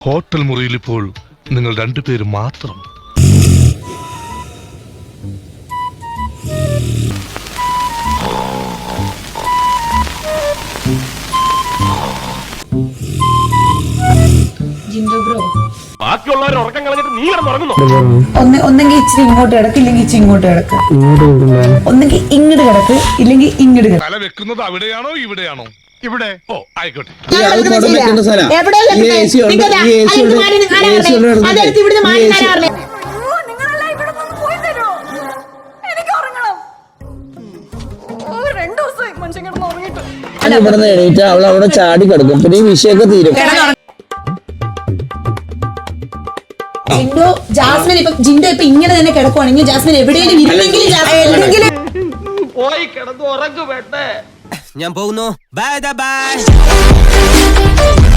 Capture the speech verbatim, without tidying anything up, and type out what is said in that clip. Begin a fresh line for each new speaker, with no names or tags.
Hotel മുറിയിൽ ഇപ്പോൾ നിങ്ങൾ രണ്ടുപേരും മാത്രം.
ബാക്കിയുള്ളവർ ഉറക്കം കളഞ്ഞിട്ട് നീ കിടന്നുറങ്ങുന്നു.
ഒന്നെങ്കിൽ ഇച്ചിരി ഇങ്ങോട്ട് കിടക്ക്, ഇല്ലെങ്കിൽ ഇച്ചിരി ഇങ്ങോട്ട് കിടക്ക്. ഒന്നെങ്കിൽ ഇങ്ങോട്ട് കിടക്ക്, ഇല്ലെങ്കിൽ ഇങ്ങോട്ട് കിടക്ക്.
തല വെക്കുന്നത് അവിടെയാണോ ഇവിടെയാണോ? ഇവിടെ. ഓ ആയിക്കോട്ടെ.
ഇവിടുന്ന് എണീറ്റ് അവൾ അവിടെ ചാടി കിടക്കും, പിന്നെ ഈ വിഷയൊക്കെ തീരും.
ജിൻഡോ ജാസ്മിൻ ഇപ്പൊ ജിൻഡോ ഇപ്പൊ ഇങ്ങനെ തന്നെ കിടക്കുവാണെങ്കിൽ ജാസ്മിൻ എവിടെയെങ്കിലും
പോയി കിടന്നു ഉറങ്ങു വേണ്ടേ.
ഞാൻ പോകുന്നു. Bye by.